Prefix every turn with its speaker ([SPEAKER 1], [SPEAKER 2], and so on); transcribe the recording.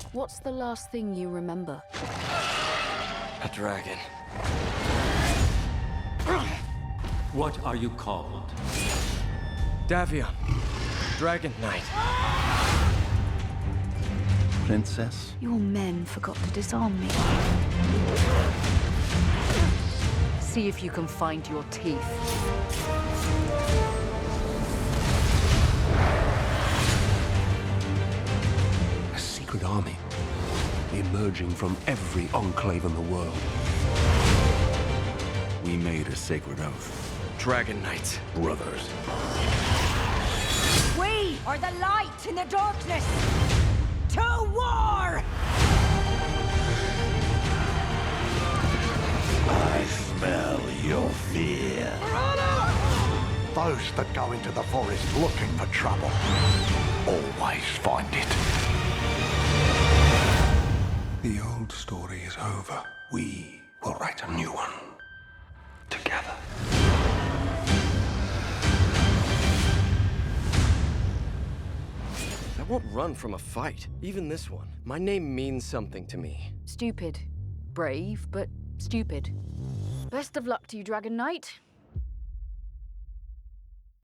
[SPEAKER 1] What's the last thing you remember?
[SPEAKER 2] A dragon.
[SPEAKER 3] What are you called?
[SPEAKER 2] Davion. Dragon Knight.
[SPEAKER 4] Princess?
[SPEAKER 1] Your men forgot to disarm me. See if you can find your teeth.
[SPEAKER 4] A secret army emerging from every enclave in the world. We made a sacred oath.
[SPEAKER 2] Dragon Knights.
[SPEAKER 4] Brothers.
[SPEAKER 5] We are the light in the darkness! To war!
[SPEAKER 6] I smell your fear. Those that go into the forest looking for trouble always find it.
[SPEAKER 4] The old story is over. We will write a new one. Together.
[SPEAKER 2] I won't run from a fight, even this one. My name means something to me.
[SPEAKER 1] Stupid. Brave, but stupid. Best of luck to you, Dragon Knight.